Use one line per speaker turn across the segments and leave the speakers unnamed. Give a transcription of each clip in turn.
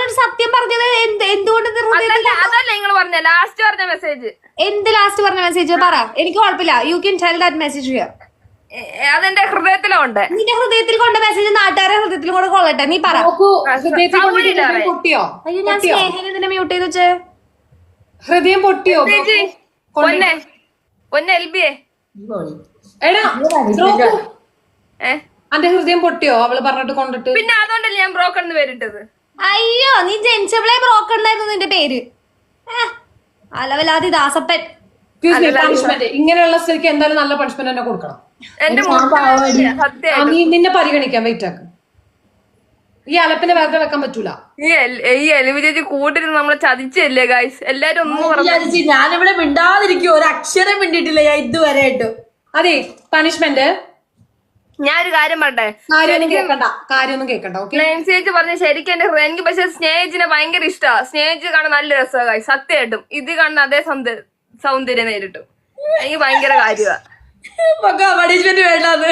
ഞാനൊരു സത്യം പറഞ്ഞത് എന്തുകൊണ്ട്
അതല്ല നിങ്ങൾ പറഞ്ഞ ലാസ്റ്റ് പറഞ്ഞ മെസ്സേജ്.
എന്ത് ലാസ്റ്റ് പറഞ്ഞ മെസ്സേജ് പറ, എനിക്ക് കുഴപ്പമില്ല. You can tell that message here.
അതെന്റെ ഹൃദയത്തിലുണ്ട്.
നിന്റെ ഹൃദയത്തിൽ കൊണ്ട മെസ്സേജ് നാട്ടുകാരെ ഹൃദയത്തിലും കൂടെ കൊള്ളട്ടെ. നീ പറ.
പൊട്ടിയോ?
അയ്യോ, ഞാൻ സ്നേഹനെ ഇതിനെ മ്യൂട്ട് ചെയ്ത് വെച്ചേ.
ഹൃദയം പൊട്ടിയോ?
പൊന്നെ എൽബിയെ
എടാ അന്റെ ഹൃദയം പൊട്ടിയോ അവള് പറഞ്ഞിട്ട് കൊണ്ടിട്ട്?
പിന്നെ അതുകൊണ്ടല്ലേ ഞാൻ ബ്രോക്കൺ എന്ന് പേരിട്ടത്.
അയ്യോ, നീ ജനിച്ചവളെ ബ്രോക്കൺ എന്നായിരുന്നു നിന്റെ പേര്. അലവലാതി ദാസപ്പൻ.
ഇങ്ങനെയുള്ള സ്ഥിതിക്ക് എന്തായാലും നല്ല പണിഷ്മെന്റ് തന്നെ കൊടുക്കണം. നിന്നെ പരിഗണിക്കാം. വെയിറ്റ് ആക്ക്. ഈ അലപ്പിനെ വെറുതെ വെക്കാൻ പറ്റൂല.
ഈ എലിവി ചേച്ചി കൂട്ടിരുന്ന് നമ്മളെ ചതിച്ചല്ലേ ഗൈസ്. എല്ലാരും ഒന്നും പറഞ്ഞു.
ഞാനിവിടെ മിണ്ടാതിരിക്കും, ഒരു അക്ഷരം മിണ്ടിട്ടില്ല ഞാൻ ഇതുവരെ ആയിട്ട്.
അതെ, പണിഷ്മെന്റ്
ഞാനൊരു കാര്യം പറട്ടെ.
കാര്യമൊന്നും കേൾക്കണ്ട.
ചേച്ചി പറഞ്ഞ ശരിക്കും എന്റെ ഹൃദയം. എനിക്ക് പക്ഷെ സ്നേഹിച്ചിനെ ഭയങ്കര ഇഷ്ടമാണ്. സ്നേഹിച്ച് കാണാൻ നല്ല രസമാണ് ഗൈസ്, സത്യമായിട്ടും. ഇത് കാണുന്ന അതേ സൗന്ദര്യം നേരിട്ടും എനിക്ക് ഭയങ്കര കാര്യമാണ്.
പണിഷ്മെന്റ് വേണ്ടാന്ന്.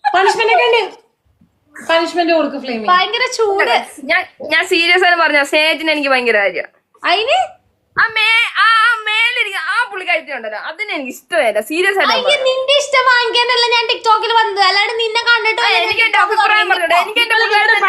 പണിഷ്മെന്റ് കൊടുക്കും. ഫ്ലെയിം
ഭയങ്കര ചൂട്.
ഞാൻ സീരിയസ് ആയിട്ട് പറഞ്ഞ സ്നേഹത്തിന് എനിക്ക് ഭയങ്കര കാര്യം.
അതിന്
മേലിരിക്കും ആ പുള്ളിക്കാരി ഉണ്ടല്ലോ, അതിന് എനിക്ക് ഇഷ്ടമല്ല. സീരിയസ് ആയിട്ട്
നിന്റെ ഇഷ്ടം വാങ്ങിക്കാനല്ല ഞാൻ ടിക്ടോക്കിൽ വന്നത്, അല്ലാണ്ട് നിന്നെ കണ്ടിട്ട്
എനിക്ക് എന്റെ അഭിപ്രായം പറഞ്ഞത്. എനിക്ക് എന്റെ
നിന്നോട് ഞാൻ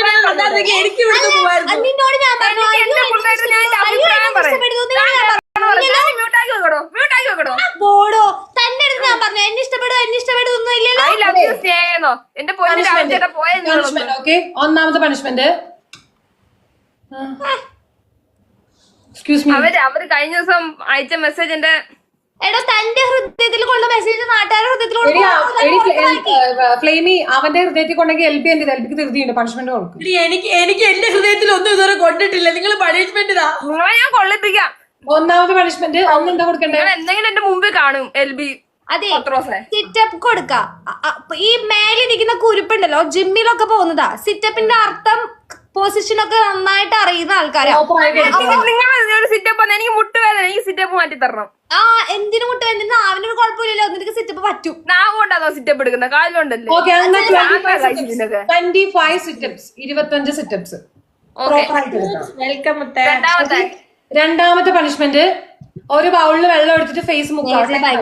ബോഡോ തന്റെ അടുത്ത് ഞാൻ പറഞ്ഞു എന്നെ ഇഷ്ടപ്പെടും ഒന്നും ഇല്ലല്ലോ.
എന്റെ പൊന്നിന്റെ പോയ
ഒന്നാമത്തെ പണിഷ്മെന്റ്
അവര് കഴിഞ്ഞ ദിവസം അയച്ച മെസ്സേജ് എന്റെ
എടോ തന്റെ ഹൃദയത്തിൽ കൊണ്ട മെസ്സേജ് നാട്ടുകാരുടെ ഹൃദയത്തിൽ
ഫ്ലെയിമി അവന്റെ ഹൃദയത്തിൽ കൊണ്ടെങ്കിൽ എൽബി എന്റെ എൽബിക്ക് തീർത്തിയുണ്ട്. പണിഷ്മെന്റ് കൊടുക്കും.
എനിക്ക് എന്റെ ഹൃദയത്തിൽ ഒന്നും ഇതുവരെ കൊണ്ടിട്ടില്ല. നിങ്ങൾ പണിഷ്മെന്റ്
നിങ്ങളെ ഞാൻ കൊള്ളിപ്പിക്കാം.
ഒന്നാമത്തെ പണിഷ്മെന്റ് ഒന്നെന്താ കൊടുക്കണ്ടേ?
എന്തെങ്കിലും എന്റെ മുമ്പിൽ കാണും എൽബി.
അതെ, സിറ്റപ്പ് കൊടുക്ക. ഈ മേലിരിക്കുന്ന കുരുപ്പുണ്ടല്ലോ, ജിമ്മിലൊക്കെ പോകുന്നതാ. സിറ്റപ്പിന്റെ അർത്ഥം പൊസിഷൻ ഒക്കെ നന്നായിട്ട് അറിയുന്ന ആൾക്കാരാണ്.
നിങ്ങൾ സിറ്റപ്പ് എനിക്ക് മുട്ടുവേദന, എനിക്ക് സിറ്റപ്പ് മാറ്റി തരണം.
എന്തിനു മുട്ടുവേദന? നാവിനൊരു കുഴപ്പമില്ലല്ലോ, നിനക്ക് സിറ്റപ്പ് പറ്റും.
നാവുകൊണ്ടാണോ സിറ്റപ്പ് എടുക്കുന്നത്? കാലുകൊണ്ടല്ലേ?
25 സിറ്റപ്സ്, 25 സിറ്റപ്സ്. രണ്ടാമത്തെ പണിഷ്മെന്റ് ഒരു ബൗളിൽ വെള്ളം എടുത്തിട്ട് ഫേസ് മുക്ക.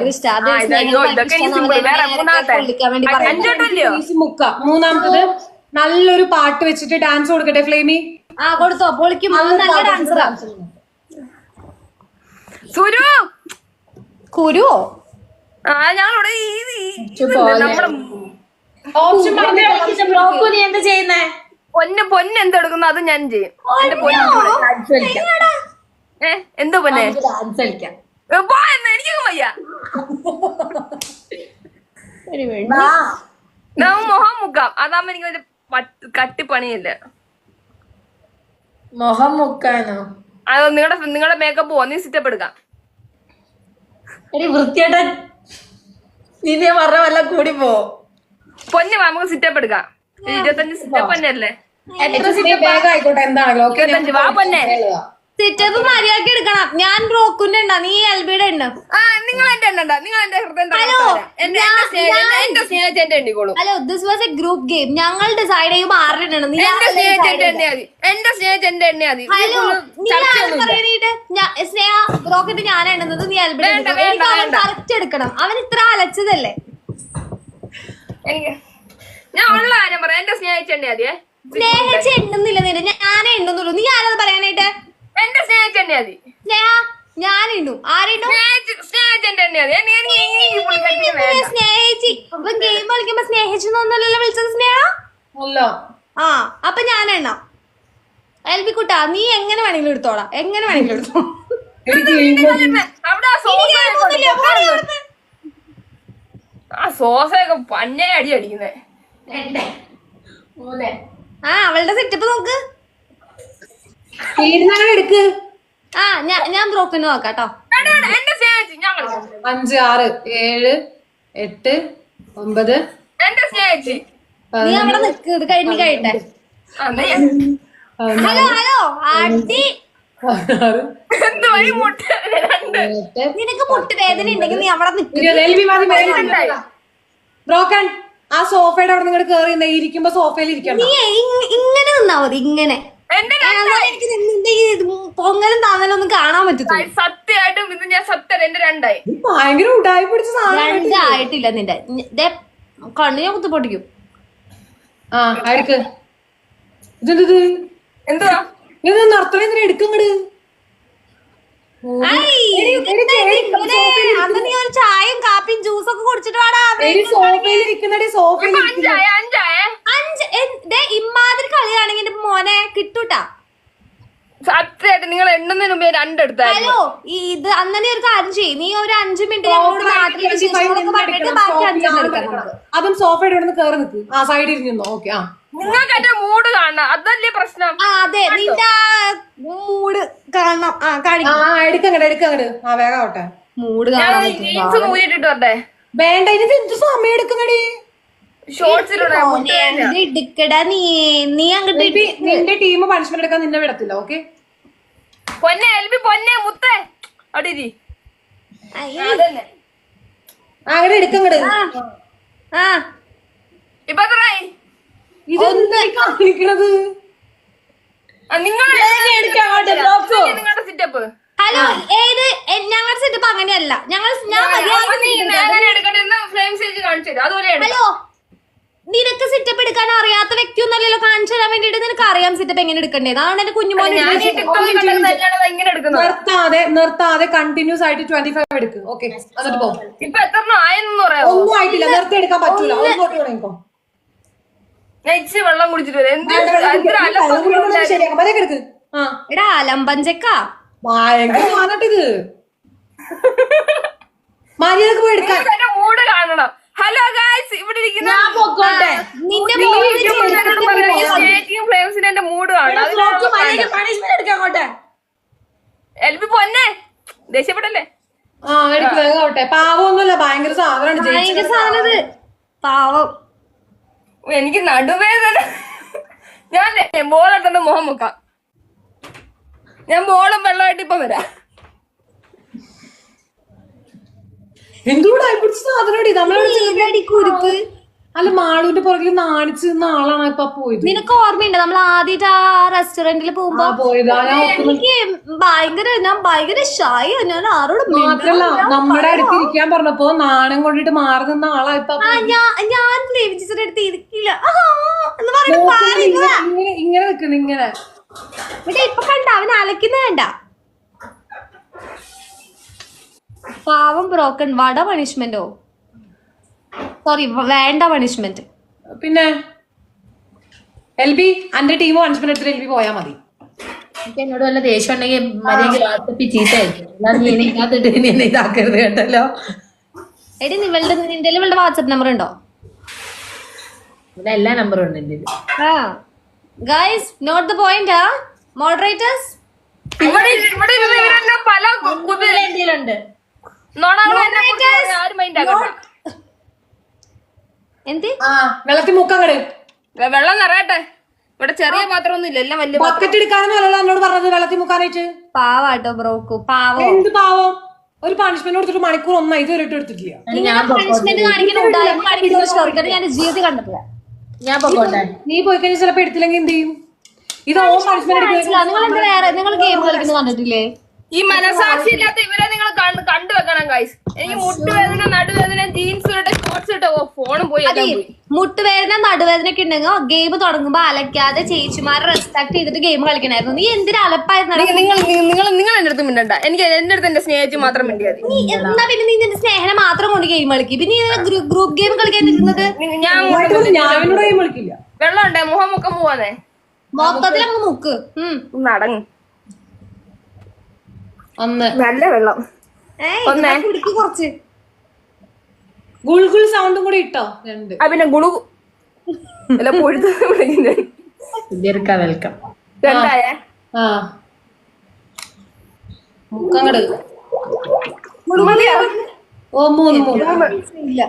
മൂന്നാമത്തത് നല്ലൊരു പാട്ട് വെച്ചിട്ട് ഡാൻസ് കൊടുക്കട്ടെ ഫ്ലെയിമി.
കൊടുത്തോ, പൊളിക്കും. നല്ല ഡാൻസറാ. കുരുവോ?
ഞങ്ങളോട്
എന്താ ചെയ്യുന്നേ?
പൊന്ന് എന്തെടുക്കുന്നു അത് ഞാൻ ചെയ്യും. എന്റെ പൊന്ന് എന്തോ പൊന്നെ എനിക്കും വയ്യ. മുഖം മുക്കാം, അതാകുമ്പോ എനിക്ക് വലിയ കട്ടിപ്പണിയില്ല.
മുഖം മുക്കാനോ?
അത് നിങ്ങളുടെ മേക്കപ്പ് പോവാ. നീ സിറ്റപ്പ് എടുക്കാം.
വൃത്തിയായിട്ട നീ പറഞ്ഞ വല്ല കൂടി പോ.
പൊന്നെ വാ, നമുക്ക് സിറ്റപ്പ് എടുക്കാം. 25 സിറ്റപ്പ് തന്നെ അല്ലേ?
ആയിക്കോട്ടെ, എന്താണല്ലോ
25 വാ പൊന്നെ.
സിറ്റപ്പ് മര്യാദക്ക് എടുക്കണം. ഞാൻ ബ്രോക്കുന്റെ എണ്ണ, നീ എൽബിയുടെ എണ്ണ.
നിങ്ങൾ എന്റെ എണ്ണ, നിങ്ങൾ എന്റെ ഹൃദയം എന്റെ സ്നേഹിച്ച എന്റെ എണ്ണിക്കോളൂ.
Hello, this was a group game. ഞങ്ങൾ ഡിസൈഡ് ചെയ്യും ആരുടെ എണ്ണ.
എന്റെ സ്നേഹിച്ച എന്റെ എണ്ണ മതി. എന്റെ സ്നേഹിച്ച എന്റെ എണ്ണ മതി.
സ്നേഹ ബ്രോക്കിട്ട് ഞാൻ എണ്ണുന്നത്, നീ എൽബിയുടെ കറക്റ്റ് എടുക്കണം. അവൻ ഇത്ര അലച്ചതല്ലേ.
ഞാൻ ഉള്ള കാര്യം പറയാം. എന്റെ സ്നേഹിച്ച എണ്ണ മതിയേ.
സ്നേഹിച്ച് എണ്ണുന്നില്ല നിന്റെ, ഞാനേ എണ്ണുന്നുള്ളൂ. നീ ആരത് പറയാനായിട്ട്?
എന്റെ സ്നേഹിച്ച എണ്ണ മതി.
സ്നേഹ ഞാൻ ഇണ്ണു. ആരെണ്ണു?
സ്നേഹിച്ച എന്റെ എണ്ണ മതി.
സ്നേഹിച്ച് ഇപ്പം ഗെയിം കളിക്കുമ്പോ സ്നേഹിച്ചൊന്നല്ലല്ലോ വിളിച്ചത് സ്നേഹ. അപ്പൊ ഞാൻ എണ്ണാം. എൽബിക്കുട്ടാ, നീ എങ്ങനെ വേണമെങ്കിലും എടുത്തോളാം, എങ്ങനെ വേണമെങ്കിലും എടുത്തോ.
ആ സോസയൊക്കെ പന്നെ അടി അടിക്കുന്നേ.
അവളുടെ സെറ്റപ്പ് നോക്ക്.
എടുക്ക്.
ഞാൻ ബ്രോക്കിന് നോക്കാട്ടോ.
5 6 7 8 9
എന്റെ സ്നേഹിച്ച്
നീ അവിടെ നിക്ക്, ഇത് കഴിഞ്ഞ് കഴിയട്ടെ. ഹലോ ആട്ടി, നിനക്ക് മുട്ടുവേദന ഉണ്ടെങ്കിൽ നീ അവിടെ നിൽക്കും.
ബ്രോക്കൺ ആ സോഫയുടെ അവിടെ നിങ്ങൾ കേറി ഇരിക്കുമ്പോ സോഫയിൽ ഇരിക്കണം.
നീ ഇങ്ങനെ നിന്നാ മതി, ഇങ്ങനെ.
എന്റെ
പൊങ്ങലും താങ്ങലും ഒന്നും കാണാൻ പറ്റത്തില്ല.
സത്യമായിട്ടും ഇത് ഞാൻ സത്യം എന്റെ രണ്ടായി.
ഭയങ്കര ഉടായി പിടിച്ച സാധനം.
രണ്ടായിട്ടില്ല നിന്റെ. കണ്ണു ഞാൻ കുത്തി പൊട്ടിക്കും.
ആ എടുക്ക്. ഇതെന്തത്?
എന്തുവാ
ഇത് നിർത്തണ എടുക്കങ്ങട്.
അന്ന് നീ ഒരു ചായയും കാപ്പിയും ജ്യൂസൊക്കെ കുടിച്ചിട്ട് വാടാ.
സോഫയിലിരിക്കുന്നടി, സോഫയിൽ
അഞ്ചായ അഞ്ചായ
ഇമ്മാതിരി കളിയാണെങ്കിൽ എന്റെ മോനെ കിട്ടൂട്ടാ.
സത്യമായിട്ട് നിങ്ങൾ എണ്ണുന്നതിന് മുമ്പേ രണ്ടെടുത്തായിരുന്നു.
ഹലോ ഇത് അന്നെ ഒരു കാര്യം ചെയ്യും. നീ ഒരു 5 മിനിറ്റ് ഞങ്ങളോട് നാട്ടിലെ വിശേഷങ്ങളൊക്കെ പറഞ്ഞിട്ട് ബാക്കി 5 എടുക്കണം.
അതും സോഫയുടെ ഇവിടെ നിന്ന് കയറി നിൽക്ക്. ആ സൈഡിൽ ഇരുന്നോ. ഓക്കെ. ആ
നിങ്ങൾക്ക് എന്റെ മൂഡ് കാണണം, അതല്ലേ പ്രശ്നം.
ആ അതെ നിന്റെ മൂഡ് കാണണം. ആ കാണിക്കും.
ആ എടുക്കങ്ങട്. ആ വേഗം ആവട്ടെ.
മൂഡ്
ഞാൻ
കാണാൻ
ജീൻസ് മൂരിട്ടിട്ട് വരട്ടെ.
വേണ്ട, ഇതിന് എന്ത് സമയം എടുക്കങ്ങടി.
ഷോർട്സിലൂടെ
എടുക്കടാ. നീ അങ്ങോട്ട്
നിന്റെ ടീം പണിഷ്മെന്റ് എടുക്കാൻ നിന്നെ വിടത്തില്ല. ഓക്കെ.
പൊന്നെ എൽബി പൊന്നെ മുത്തേ അടിരി അതന്നെ.
അങ്ങനെ എടുക്കങ്ങട്.
ആ
ഇപ്പൊ എത്രയായി?
ഇതെന്താ കാണിക്കണത്?
നിങ്ങളുടെ സിറ്റപ്പ്.
ഹലോ ഏത് ഞങ്ങളുടെ സെറ്റപ്പ് അങ്ങനെയല്ല. ഹലോ നിനക്ക് സെറ്റപ്പ് എടുക്കാൻ അറിയാത്ത വ്യക്തിയൊന്നല്ലല്ലോ. കാണിച്ചു തരാൻ വേണ്ടിട്ട് നിനക്ക് അറിയാം സെറ്റപ്പ് എങ്ങനെ എടുക്കണ്ടേത്. അതാണ് എന്റെ കുഞ്ഞുമോനെ.
നിർത്താതെ കണ്ടിന്യൂസ് ആയിട്ട് 25 എടുക്ക്. ഓക്കെ. എന്നിട്ട് പോ.
ഇപ്പൊ എത്ര ആയെന്ന് പറയാം.
ഒന്നും ആയിട്ടില്ല. നിർത്തി എടുക്കാൻ പറ്റൂല. ഒന്നോട്ട് തുടങ്ങിക്കോ.
ഞാൻ ഇച്ചിരി വെള്ളം കുടിച്ചിട്ട് വരാം.
ശരിയാക്കാം. മതി എടുക്ക്. ആ
എടാ അലമ്പഞ്ചക്ക
ഭയങ്കര സാധനട്ടിത്. മര്യാദക്ക് പോയി എടുക്കാൻ.
എന്റെ മൂഡ് കാണണം. ഹലോ ഗായ്സ്, ഇവിടെ ഇരിക്കുന്ന
നിന്റെ
ഫ്ലെയിംസിന് എന്റെ മൂഡ് കാണണം. എൽബി പൊന്നെ ദേഷ്യപ്പെട്ടല്ലേ?
ആ എടുക്ക്. വേഗം ആവട്ടെ. പാവമൊന്നുമല്ല, ഭയങ്കര സാധനമാണ്.
ഭയങ്കര സാധനത് പാവം.
എനിക്ക് നടുവേദന. ഞാൻ ബോളെടുത്തോണ്ട് മുഖം മുക്കാം. ഞാൻ ബോളും വെള്ളമായിട്ട് ഇപ്പൊ വരാം.
എന്തുകൂടെ പിടിച്ച സാധനടി നമ്മളെ
കുരുപ്പ്.
അല്ല മാളുവിന്റെ പുറകിൽ നാണിച്ച് നിന്ന ആളാണ് ഇപ്പൊ പോയത്.
നിനക്ക് ഓർമ്മയുണ്ട് നമ്മൾ ആദ്യമായിട്ട് ആ റെസ്റ്റോറന്റിൽ പോകുമ്പോ ഞാൻ ഭയങ്കര ഷായി. ഞാൻ ആരോട്
മാത്രല്ല നമ്മുടെ അടുത്ത് ഇരിക്കാൻ പറഞ്ഞപ്പോ നാണം കൊണ്ടിട്ട് മാറി നിന്ന ആളാ ഇപ്പൊ.
ഞാൻ ടീച്ചറുടെ അടുത്ത് ഇരിക്കില്ല
ഇങ്ങനെ നിക്കുന്നു. ഇങ്ങനെ
ഇപ്പൊ കണ്ട അവൻ അലക്കുന്ന വേണ്ട. പാവം ബ്രോക്കൺ. വട പണിഷ്മെന്റോ? സോറി വേണ്ട പണിഷ്മെന്റ്.
പിന്നെ എൽബി അന്റെ ടീം പണിഷ്മെന്റ് എടുത്തിട്ട് എൽബി പോയാ മതി.
എന്നോട് വല്ല ദേഷ്യം ഉണ്ടെങ്കിൽ മര്യാദ ചീത്തയായിരിക്കും. ഇതാക്കരുത് കേട്ടല്ലോ.
എടി നിങ്ങളുടെ വാട്സ്ആപ്പ് നമ്പർ ഉണ്ടോ?
ഇവിടെ എല്ലാ നമ്പറും ഉണ്ട് എന്റെ.
Guys note the point. Moderators
ഇവിടെ പല
എന്തെങ്കിലുണ്ട്.
എന്ത്
വെള്ളത്തിൽ മുക്കങ്ങട്.
വെള്ളം നിറയട്ടെ. ഇവിടെ ചെറിയ പാത്രം ഒന്നും ഇല്ല, എല്ലാം വലിയ
ബക്കറ്റ് എടുക്കാനൊന്നുമല്ലോ എന്നോട് പറഞ്ഞത് വെള്ളത്തിൽ മുക്കാനായിട്ട്.
പാവാട്ടോ ബ്രോക്കു. പാവം.
എന്ത് പാവം? ഒരു പണിഷ്മെന്റ് കൊടുത്തിട്ട് മണിക്കൂർ ഒന്നായി ഇതുവരെ എടുത്തിട്ടില്ല.
പണിഷ്മെന്റ് കാണിക്കുന്ന ഞാൻ ജീവിതത്തിൽ കണ്ടിട്ടില്ല.
ഞാൻ പോകട്ടെ.
നീ പോയി കഴിഞ്ഞാൽ ചിലപ്പോ എടുത്തില്ലെങ്കിൽ എന്ത് ചെയ്യും? ഇത് ഓൺ പണിഷ്മെന്റ്.
നിങ്ങൾ ഗെയിം കളിക്കുന്നത് കണ്ടിട്ടില്ലേ?
ഈ മനസാക്ഷി ഇല്ലാത്ത ഇവരെ നിങ്ങൾ കണ്ടുവെക്കണം ഗൈസ്. എനിക്ക് മുട്ടുവേദന, നടുവേദന, ജീൻസ് ഇട്ടെ, ഷോർട്സ് ഇട്ടോ, ഫോണും പോയി.
മുട്ടുവേദന നടുവേദന ഒക്കെ ഉണ്ടെങ്കിൽ ഗെയിം തുടങ്ങുമ്പോ അലക്കാതെ ചേച്ചിമാരെ റെസ്പെക്ട് ചെയ്തിട്ട് ഗെയിം കളിക്കണായിരുന്നു. നീ എന്തിനാ അലപ്പായിരുന്നു?
നിങ്ങൾ എന്റെ അടുത്ത് മിണ്ടണ്ട. എനിക്ക് എന്റെ അടുത്ത് എന്റെ സ്നേഹിച്ച് മാത്രം മിണ്ടിയാൽ
നീ എന്നാ പിന്നെ നീ നിന്റെ സ്നേഹനെ മാത്രം കൊണ്ട് ഗെയിം കളിക്കും. പിന്നെ ഗ്രൂപ്പ് ഗെയിം കളിക്കാൻ നിൽക്കുന്നത്.
ഞാനോട് ഗെയിം കളിക്കില്ല.
വെള്ളം ഉണ്ടേ മുഖം മുക്കം പോവാന്നേ.
മൊത്തത്തിൽ അങ്ങ് മുക്ക്
നടങ്ങ്.
ഒന്ന്
നല്ല വെള്ളം
കുടിക്ക് കുറച്ച്.
ഗുൾഗുൾ സൗണ്ടും കൂടി ഇട്ടോ. രണ്ട്
പിന്നെ ഗുളു അല്ല പൊഴുത്ത്
വെൽക്കം.
രണ്ടായേ.
ആ മുക്കങ്ങട്. ഓ മൂന്ന്
ഇല്ല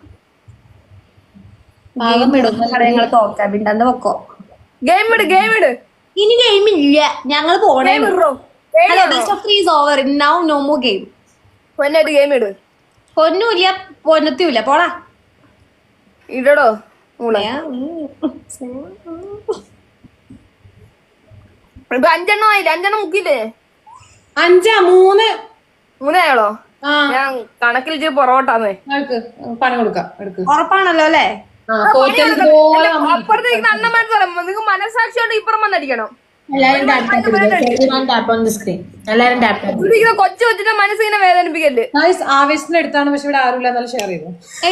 പാകം വിടും. ഞങ്ങള് തോക്കാൻ പിണ്ടെന്ന് വെക്കോ.
ഗെയിം ഇട്.
ഇനി ഗെയിം ഇല്ല. ഞങ്ങള് പോണേ. Hello, best of 3 is over. Now no more game.
പൊന്നായിട്ട് ഗെയിം ഇട്.
പൊന്നുമില്ല പൊന്നത്തുമില്ല. പോടാ
ഇടടോ. ഇപ്പൊ 5 എണ്ണം ആയില്ല. 5 എണ്ണം മുക്കില്ലേ?
3
മൂന്നായാളോ?
ആ
ഞാൻ കണക്കിൽ ഇച്ചിരി പൊറോട്ടാന്നേ.
എടുക്ക് പണി കൊടുക്കാം എടുക്ക്.
ഉറപ്പാണല്ലോ അല്ലേ?
ഇതുപോലെ
അപ്പുറത്തേക്ക് അണ്ണൻ മനസ്സിലാം. നിങ്ങൾക്ക് മനസ്സാക്ഷിയോണ്ട് ഇപ്പുറം വന്നടിക്കണം.
എല്ലാരും ടാപ്പ് ഓൺ ദി സ്ക്രീൻ. എല്ലാരും ടാപ്പ്.
ഇവിടെ കൊച്ചു കൊച്ചിന്റെ മനസ്സിനെ വേദനിപ്പിക്കല്ലേ.
ആവേശത്തിന് എടുത്താണ്, പക്ഷെ ഇവിടെ ആരുമില്ല. എന്നാലും ഷെയർ ചെയ്തു.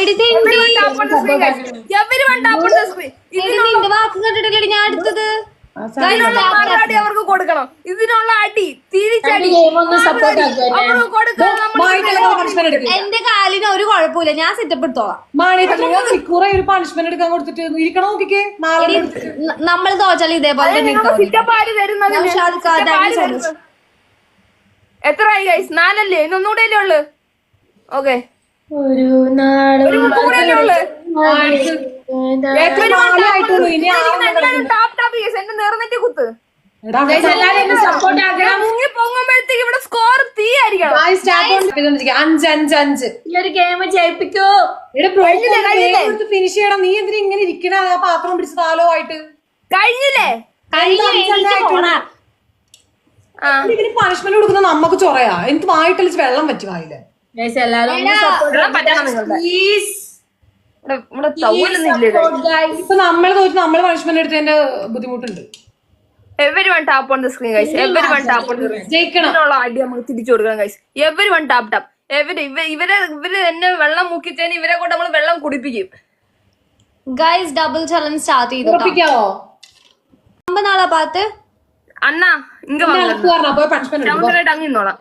നിന്റെ വാക്ക് കണ്ടിട്ടില്ലേ ഞാൻ എടുത്തത്?
അടി അവർക്ക് കൊടുക്കണം. ഇതിനുള്ള അടി തിരിച്ചടി
സപ്പോർട്ട് ആക്കുക.
അവർക്ക് കൊടുക്കണം.
എന്റെ കാലിന് ഒരു കുഴപ്പമില്ല, ഞാൻ സെറ്റപ്പ് എടുത്തോളാം.
മണിക്കൂറെ ഒരു പണിഷ്മെന്റ് എടുക്കാൻ കൊടുത്തിട്ട് ഇരിക്കണം. നോക്കിക്കേ, നാളെ
നമ്മൾ തോച്ചാൽ ഇതേപോലെ തന്നെ ഇട്ടാ മതി.
എത്രയായി ഗൈസ്? 4 അല്ലേ? ഇന്നൊന്നുകൂടെ അല്ലേ ഉള്ളു? ഓക്കെ,
ഒരു നാളും
ഒരു മുട്ടുകൂടെ അല്ലേ ഉള്ളു? എന്റെ നേർന്നെറ്റി കുത്ത്
സപ്പോർട്ട് ആക്കുക.
മുങ്ങി പൊങ്ങുമ്പോഴത്തേക്ക് ഇവിടെ സ്കോർ തീ ആയിരിക്കണം.
5-5-5.
ഈ ഒരു ഗെയിം ജയിപ്പിക്കൂ.
ഫിനിഷ് ചെയ്യണം. നീ എന്തിനാ ഇങ്ങനെ ഇരിക്കണ? ആ പാത്രം പിടിച്ച് താലോ ആയിട്ട്
കഴിഞ്ഞില്ലേ?
ഇതിന് പണിഷ്മെന്റ് കൊടുക്കുന്ന നമുക്ക് ചൊറയാ. എനിക്ക് വായിട്ടളിച്ച് വെള്ളം പറ്റി വായില്ലേ.
എല്ലാരും
ഇപ്പൊ നമ്മള് തോറ്റ് നമ്മള് പണിഷ്മെന്റ് എടുത്തതിന്റെ ബുദ്ധിമുട്ടുണ്ട്.
everyone tap on the screen guys. everyone tap on the screen. ജയിക്കണമുള്ള അടി നമുക്ക് തിരിച്ചു കൊടുക്കണം guys. everyone tap tap. ഇവര് എന്നെ വെള്ളം മുക്കിച്ചതിന് ഇവരെ കൊണ്ട് നമ്മൾ വെള്ളം കുടിപ്പിക്കും.
ഗൈസ് ഡബിൾ ചലഞ്ച് സ്റ്റാർട്ട് ചെയ്തു. നാളെ പാത്ത്
അണ്ണാ ഇങ്ങ ശകുന്തലായിട്ട് അങ്ങ് ഇന്നോളാം.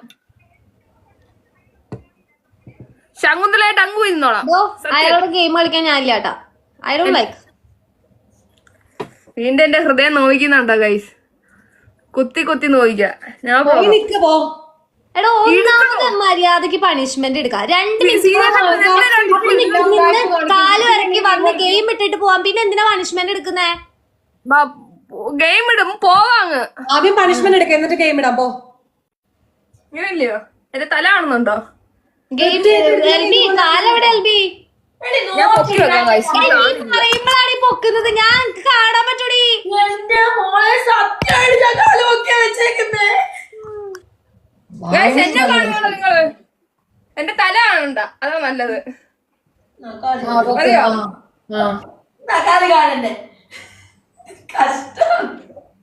ശകുന്തലായിട്ട് അങ്ങ് ഇരുന്നോളാം.
അയാളോട് ഗെയിം കളിക്കാൻ ഞാനില്ല കേട്ടാ. I don't like.
വീണ്ടും എന്റെ ഹൃദയം നോവിക്കുന്നുണ്ടോ ഗൈസ്? കുത്തി കുത്തി നോവിക്ക. ഞാൻ
എടാ ഒന്നാമത് മര്യാദക്ക് പണിഷ്മെന്റ് എടുക്കാം. 2 മിനിറ്റ് കാല് ഇറക്കി വന്ന് ഗെയിം ഇട്ടിട്ട് പോവാൻ. പിന്നെ എന്തിനാ പണിഷ്മെന്റ് എടുക്കുന്നേ?
ഗെയിം ഇടും പോവാങ്ങ്.
ആദ്യം പണിഷ്മെന്റ് എടുക്കാം, എന്നിട്ട് ഗെയിം ഇടാം. പോ.
ഇങ്ങനെയല്ലയോ? എന്റെ തല കാണുന്നുണ്ടോ?
കാലെവിടെ എൽബി?
ഞാൻ പൊക്കി വെക്കാം ഗൈസ്.
പറയുമ്പോഴാണ് പൊക്കുന്നത്. ഞാൻ കാണാൻ പറ്റൂടി.
എന്റെ മോളെ സത്യമായിട്ട് ഞാൻ കാല് പൊക്കിയാ വെച്ചേക്കുന്നേ.
എന്നെ കാണുന്നുണ്ടോ നിങ്ങള്? എന്റെ തല കാണണ്ട, അതാ നല്ലത്. അറിയോ?
കാല് കാണണ്ടേ? കഷ്ടം.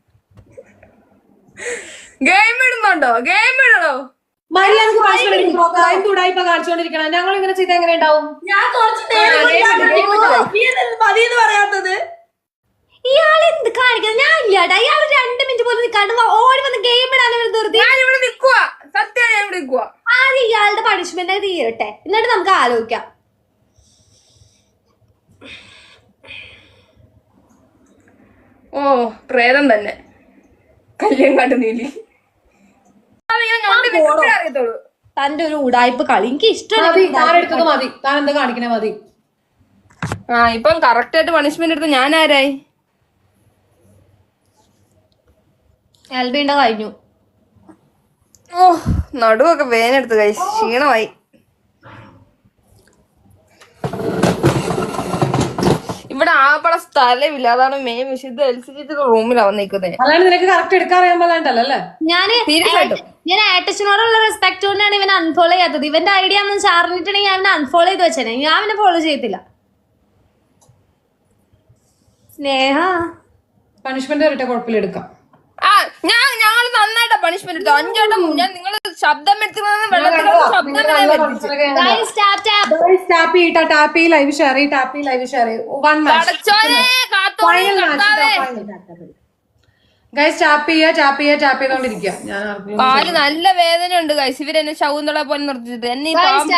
ഗെയിം ഇടുന്നുണ്ടോ? ഗെയിം ഇടണോ?
മര്യാദക്ക് പണിഷ്മെന്റ് ചൂടായിപ്പോ കാണിച്ചുകൊണ്ടിരിക്കണം. ഞങ്ങൾ ഇങ്ങനെ ചെയ്ത് എങ്ങനെ ഉണ്ടാവും?
ഞാൻ കുറച്ച് മതിയെന്ന് പറയാത്തത്.
ഇയാൾ എന്ത് കാണിക്കുന്നത്? ഞാൻ ഇല്ലാട്ടാ. ഇയാൾ 2 മിനിറ്റ് പോലും നിൽക്കാണ്ട് ഓടി വന്ന് ഗെയിം ഇടാൻ ധൃതി.
ഞാൻ ഇവിടെ നിക്കുവാ, സത്യം ഞാൻ ഇവിടെ നിക്കുവാ.
ആദ്യം ഇയാളുടെ പണിഷ്മെന്റ് തീരട്ടെ, എന്നിട്ട് നമുക്ക് ആലോചിക്കാം.
ഓ പ്രേതം തന്നെ. കല്യാണം കണ്ടു നീലി. അറിയത്തുള്ളൂ
തന്റെ ഒരു ഉടായ്പ കളി എനിക്ക് ഇഷ്ടമാണ്.
എടുത്തത് മതി. താൻ എന്താ കാണിക്കണേ? മതി.
ഇപ്പം കറക്റ്റ് ആയിട്ട് പണിഷ്മെന്റ് എടുത്ത് ഞാൻ ആരായി?
എൽബിന്റെ കഴിഞ്ഞു.
ഓ നടുവൊക്കെ വേനെടുത്ത് കഴിച്ചു, ക്ഷീണമായി. ഇവിടെ ആപ്പള സ്ഥലമില്ല, അതാണ് മെയിൻ വിഷയം. ഇത് LCD റൂമിലാ വന്നിരിക്കുന്നത്.
അല്ലാണ്ട് നിനക്ക് കറക്റ്റ് എടുക്കാൻ അറിയാൻ പാടില്ലല്ലേ?
ഞാൻ ഏട്ടച്ചനോടുള്ള റെസ്പെക്ട് കൊണ്ടാണ് ഇവൻ അൺഫോളോ ചെയ്യാത്തത്. ഇവന്റെ ഐഡിയ ഒന്നും ചാർന്നിട്ടുണ്ടെങ്കിൽ ഞാൻ അൺഫോളോ ചെയ്ത് വെച്ചേനെ. ഞാൻ അവനെ ഫോളോ ചെയ്യത്തില്ല. സ്നേഹ
പണിഷ്മെന്റ് വരട്ടെ, കുഴപ്പമില്ല, എടുക്കാം.
ഞങ്ങൾ നന്നായിട്ടാ പണിഷ്മെന്റ് എടുത്തു. 5 വട്ടം ഞാൻ നിങ്ങൾ ശബ്ദം
ലൈവ് ഷെയർ ചെയ്തോണ്ടിരിക്കുക.
കാല് നല്ല വേദന ഉണ്ട് ഗൈസ്. ഇവരെന്നെ ശകുന്തള പോലെ നിർത്തിച്ചിട്ട് എന്നെ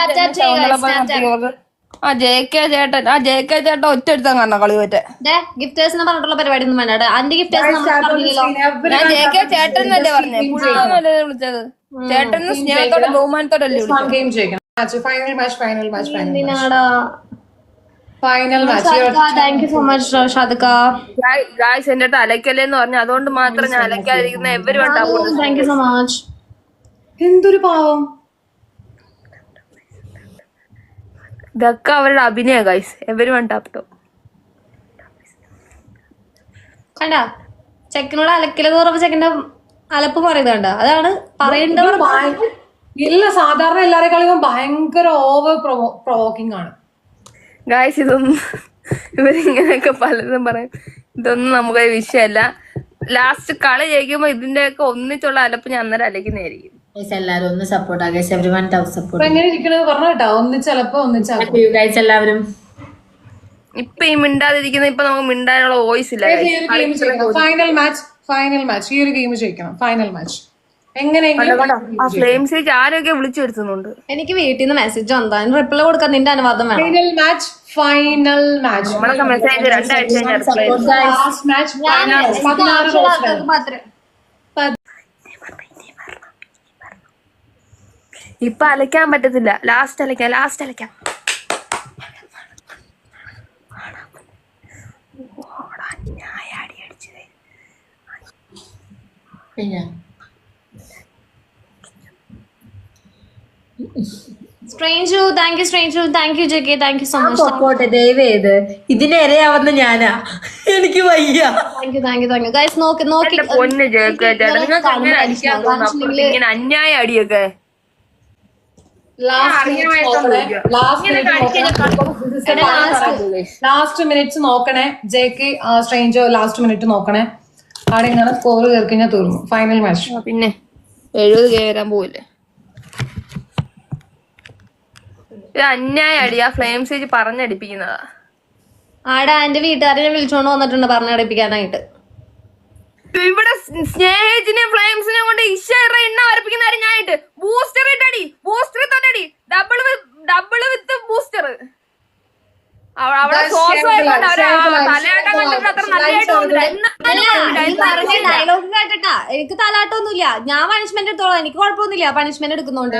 JK ചേട്ടൻ ഒറ്റ എടുത്താൻ കാരണം കളി പറ്റേ.
ഗിഫ്റ്റേഴ്സിനെ പറഞ്ഞിട്ടുള്ള പരിപാടി ഒന്നും വേണ്ട. അന്റെ ഗിഫ്റ്റേഴ്സ്
ഞാൻ JK ചേട്ടൻ എന്നല്ലേ പറഞ്ഞേ, പുള്ളല്ലേ വിളിച്ചത്. ചേട്ടന് സ്നേഹത്തോടെ ബഹുമാനത്തോടല്ലേ വിളിച്ചത്.
Thank you so much Shadika.
Guys എന്റെ അടുത്ത് അലക്കല്ലേന്ന് പറഞ്ഞു, അതുകൊണ്ട് മാത്രം ഞാൻ അലക്കാതിരിക്കുന്ന
താങ്ക് യു സോ മച്ച്.
എന്തൊരു പാവം.
ഇതൊക്കെ അവരുടെ അഭിനയ ഗൈസ്. Everyone tap top.
കണ്ട ചെക്കനോട് അലക്കലെന്ന് പറഞ്ഞപ്പോ ചെക്കന്റെ അലപ്പ് പറയുന്നുണ്ട്. അതാണ് പറയേണ്ടവർ.
ഇല്ല, സാധാരണ എല്ലാരെക്കാളും ഭയങ്കര ഓവർ പ്രൊവോക്കിംഗ് ആണ്
ഗായ്സ്. ഇതൊന്നും ഇവരിങ്ങനെയൊക്കെ പലതും പറയും. ഇതൊന്നും നമുക്ക് വിഷയമല്ല. ലാസ്റ്റ് കളി ജയിക്കുമ്പോ ഇതിന്റെയൊക്കെ ഒന്നിച്ചുള്ള അലപ്പ് ഞാൻ അന്നേരം അലക്കുന്നതായിരിക്കും.
എല്ലാരും ഒന്ന് സപ്പോർട്ട് ആകാം. Everyone support.
എങ്ങനെ ഇരിക്കണെന്ന് പറഞ്ഞു കേട്ടോ. ഒന്നിച്ചലപ്പോ
എല്ലാവരും
ഇപ്പൊ ഈ മിണ്ടാതിരിക്കുന്ന ഇപ്പൊ നമുക്ക് മിണ്ടാനുള്ള വോയിസ് ഇല്ല.
ഫൈനൽ മാച്ച് ഈ ഒരു ഗെയിം ജയിക്കണം. ഫൈനൽ മാച്ച് എങ്ങനെയെങ്കിലും
ആ ഫ്ലെയിംസിലേക്ക് ആരൊക്കെ വിളിച്ചു വരുത്തുന്നുണ്ട്.
എനിക്ക് വീട്ടിൽ നിന്ന് മെസ്സേജ് വന്നോ, അതിന് റിപ്ലൈ കൊടുക്കാൻ നിന്റെ അനുവാദം വേണം.
ഫൈനൽ മാച്ച്
നമ്മളൊക്കെ മെസ്സേജ് 2 ആഴ്ച
ലാസ്റ്റ് മാച്ച്. 16
ഇപ്പൊ അലക്കാൻ പറ്റത്തില്ല. ലാസ്റ്റ് അലക്കാം.
Stranger, thank you JK, thank you so much.
Support ദയവേത് ഇതിനെ ഇരയാവുന്ന ഞാനാ. എനിക്ക് വയ്യ.
Thank you guys. നോക്കി
പൊന്ന് ജയിക്കേട്ടാ, നിങ്ങൾക്ക് അങ്ങനെ അടിക്കാൻ തോന്നുന്നു. ഇങ്ങനെ അന്യായ അടിയൊക്കെ
ലാസ്റ്റ് മിനിറ്റ്സ് നോക്കണേ. JK സ്ട്രേഞ്ചർ ലാസ്റ്റ് മിനിറ്റ് നോക്കണേ. അവിടെ ഇങ്ങനെ സ്കോർ കയറി കഴിഞ്ഞാൽ തീർന്നു ഫൈനൽ മാച്ച്.
പിന്നെ 70 വരാൻ പോവില്ലേ. ഇത് അന്യായ അടിയാ. ഫ്ലെയിം സ്റ്റേജ് പറഞ്ഞടിപ്പിക്കുന്നതാ.
ആടാ എന്റെ വീട്ടുകാരെ ഞാൻ വിളിച്ചോണ്ട് വന്നിട്ടുണ്ട് പറഞ്ഞടിപ്പിക്കാനായിട്ട്.
ഇവിടെ സ്നേഹിച്ചിനെ ഫ്ലെയിംസിനെ കൊണ്ട് എണ്ണ വരപ്പിക്കുന്ന ഞാനായിട്ട് ബൂസ്റ്റർ ഇട്ടടി. ബൂസ്റ്റർ തന്നടി. Double with booster. അവിടെ തലയാട്ടം കണ്ടിട്ട് അത്ര
ഡയലോഗ് കേട്ടിട്ടാ. എനിക്ക് തലാട്ടൊന്നുമില്ല. ഞാൻ പണിഷ്മെന്റ് എടുത്തോളാം. എനിക്ക് കുഴപ്പമൊന്നുമില്ല പണിഷ്മെന്റ് എടുക്കുന്നോണ്ട്.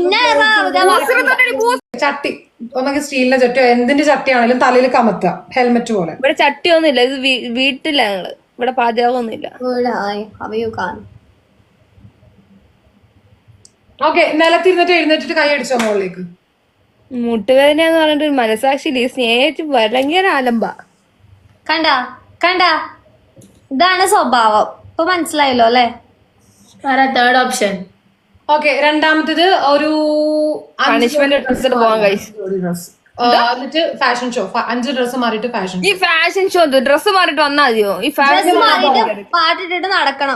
ചട്ടി ഒന്നൊക്കെ സ്റ്റീലിന്റെ ചട്ടിയോ എന്തിന്റെ ചട്ടിയാണെങ്കിലും തലയിൽ കമത്തുക ഹെൽമെറ്റ് പോലെ.
ഇവിടെ ചട്ടിയൊന്നുമില്ല. ഇത് വീട്ടില ഞങ്ങള്. ഇവിടെ പാചകമൊന്നുമില്ല.
ഓക്കെ, നിലത്തിരുന്നിട്ട് എഴുന്നേറ്റിട്ട് കൈ അടിച്ചോ മുകളിലേക്ക്.
മുട്ടുവേദനയാന്ന് പറഞ്ഞിട്ട് മനസാക്ഷിയില്ല. ഈ സ്നേഹിച്ച് ഭയങ്കര ആലമ്പ.
കണ്ട ഇതാണ് സ്വഭാവം. ഇപ്പൊ മനസ്സിലായല്ലോ അല്ലെ.
Third option.
ഓക്കെ, രണ്ടാമത്തേത് ഒരു
പണിഷ്മെന്റ് എടുത്തിട്ട് പോകാൻ കഴിച്ചു.
എന്നിട്ട് ഫാഷൻ ഷോ. 5 ഡ്രസ് മാറിയിട്ട് ഫാഷൻ.
ഈ ഫാഷൻ ഷോ ഡ്രസ് മാറിയിട്ട് വന്നാ മതിയോ? ഈ ഫാഷൻ
പാട്ടിട്ടിട്ട് നടക്കണം.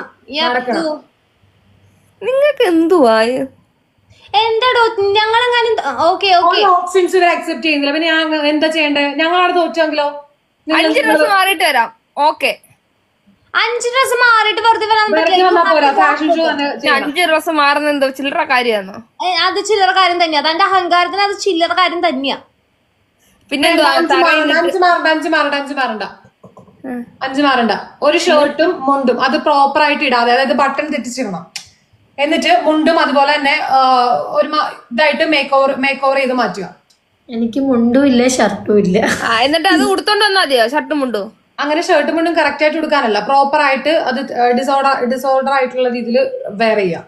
നിങ്ങൾക്ക് എന്തുവാ
എന്താടോ ഞങ്ങളെങ്ങാനും
ഓപ്ഷൻസ് ഇവർ അക്സെപ്റ്റ് ചെയ്യുന്നില്ല. പിന്നെ ഞാൻ എന്താ ചെയ്യണ്ടേ? ഞങ്ങളവിടെ തോറ്റെങ്കിലോ?
5 ഡ്രസ് മാറിയിട്ട് വരാം. ഓക്കെ,
5 ഡ്രസ് മാറിയിട്ട് വെറുതെ വരാൻ പറ്റില്ല.
ഫാഷൻ ഷോ തന്നെ
5 ഡ്രസ് മാറുന്ന എന്തോ ചില്ലറ കാര്യമാണോ?
അത് ചില്ലറ കാര്യം തന്നെയാ. അതെന്റെ അഹങ്കാരത്തിന് അത് ചില്ലറ കാര്യം തന്നെയാ.
പിന്നെ
5 മാറണ്ട. ഒരു ഷർട്ടും മുണ്ടും അത് പ്രോപ്പർ ആയിട്ട് ഇടാതെ, അതായത് ബട്ടൺ തെറ്റിച്ചിടണം. എന്നിട്ട് മുണ്ടും അതുപോലെ തന്നെ ഒരു ഇതായിട്ട് മേക്ക് ഓവർ ചെയ്ത് മാറ്റുക.
എനിക്ക് മുണ്ടും ഇല്ല ഷർട്ടും ഇല്ല.
എന്നിട്ട് അത് ഉടുത്തോണ്ട് വന്നാ മതിയോ? ഷർട്ടും മുണ്ടും
അങ്ങനെ ഷർട്ടും മുണ്ടും കറക്റ്റ് ആയിട്ട് കൊടുക്കാനല്ല, പ്രോപ്പർ ആയിട്ട് അത് ഡിസോർഡർ ആയിട്ടുള്ള രീതിയിൽ വെയർ ചെയ്യാം.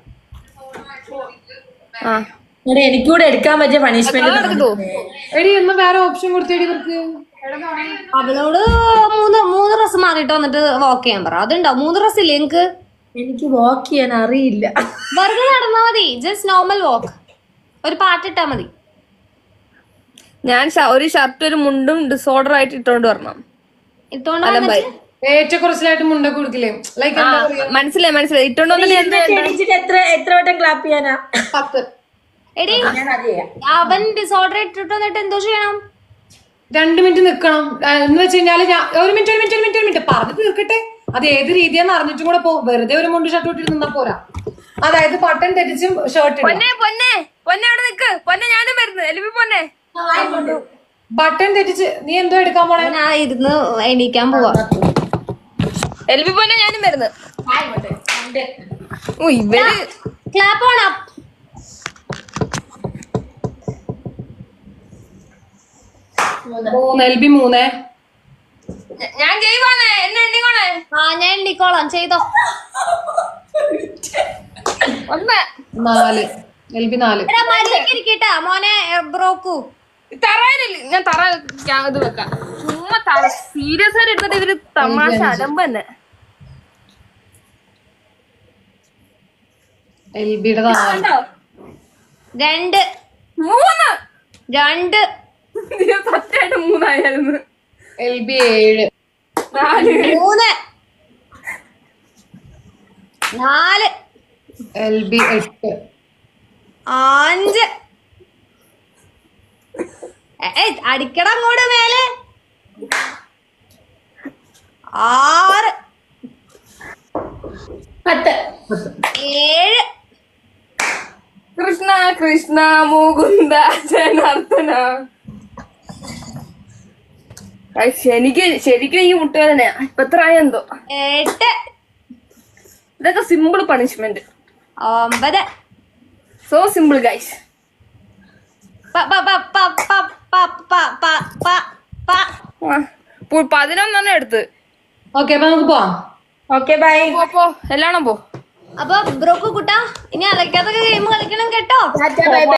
എനിക്കൂടെ എടുക്കാൻ പറ്റിയ പണിഷ്മെന്റ്
എടി ഒന്ന് വേറെ ഓപ്ഷൻ കൊടുത്തേടി ഇവർക്ക്.
അവളോട് 3 ഡ്രസ് മാറിയിട്ട് വന്നിട്ട് വാക്ക് ചെയ്യാൻ പറ. അതുണ്ടാവും. 3 ഡ്രസ് ഇല്ലേ എനിക്ക്?
എനിക്ക് വാക്ക് ചെയ്യാൻ അറിയില്ല.
വെറുതെ നടന്നാ മതി. Just normal walk. ഒരു പാട്ടിട്ടാ മതി.
ഞാൻ ഒരു ഷർട്ട് ഒരു മുണ്ടും ഡിസോർഡർ ആയിട്ട് ഇട്ടോണ്ട് വരണം.
ഏറ്റക്കുറച്ചിലായിട്ട് മുണ്ടൊക്കെ കൊടുക്കില്ലേ? ലൈക്ക്
മനസ്സിലായി. ഇട്ടോണ്ട്
എത്ര വട്ടം ക്ലാപ്പ് ചെയ്യാനാ?
10.
എടി അവൻ ഡിസോർഡർ ഇട്ടിട്ട് വന്നിട്ട് എന്തോ ചെയ്യണം?
2 മിനിറ്റ് നിക്കണം. എന്ന് വെച്ച് കഴിഞ്ഞാല് ഒരു മിനിറ്റ് പറഞ്ഞു തീർക്കട്ടെ. അത് ഏത് രീതിയാന്ന് അറിഞ്ഞിട്ടും കൂടെ വെറുതെ ഒരു മുണ്ട് ഷർട്ട് ഇട്ടിട്ട് നിന്നാ പോരാ. അതായത് ബട്ടൺ തെറ്റിച്ചും ഷർട്ട് ബട്ടൺ തെറ്റിച്ച് നീ എന്തോ എടുക്കാൻ പോണേ?
ഞാൻ ഇരുന്ന് എണീക്കാൻ പോവാ.
എൽബി പൊന്നെ ഞാനും വരുന്നത്. ഇവര്
ക്ലാപ്പ് ഓൺ അപ്പ്.
LB 3.
ഞാൻ ചെയ്യുവാണേ. എന്നെ എണ്ണിക്കോണേ.
ഞാൻ എണ്ണിക്കോളാം. ചെയ്തോ.
1
4. LB 4.
ഇരിക്കട്ടാ മോനെ ബ്രോക്കു.
തറയിലില്ല. ഞാൻ തറ ഇത് വെക്കാം. ചുമ്മാ സീരിയസ് ആയിട്ട് എടുത്തിട്ട് ഇവര് തമാശ അലമ്പ് തന്നെ.
LBയുടെ
കണ്ടോ?
2
3
2
സത്യമായിട്ട് 3 ആയിരുന്നു.
LB 7
4
3 4
LB 8
5 അടിക്കട അങ്ങോട്ട് മേലെ 6
10
7
കൃഷ്ണ കൃഷ്ണ മുകുന്ദ ജനാർദ്ദന. ശരിക്കും ഈ മുട്ടുകാരനെ ഇപ്പൊ എത്ര ആയെന്തോ.
8
ഇതൊക്കെ simple punishment.
9
so simple guys. 11 എടുത്ത്.
ഓക്കെ അപ്പൊ നമുക്ക് പോവാം.
Okay bye.
പോ എല്ലാണോ പോ.
അപ്പൊ ബ്രോക്ക് കുട്ടാ ഇനി അലക്കാത്തൊക്കെ ഗെയിം കളിക്കണം കേട്ടോ.
Tata by.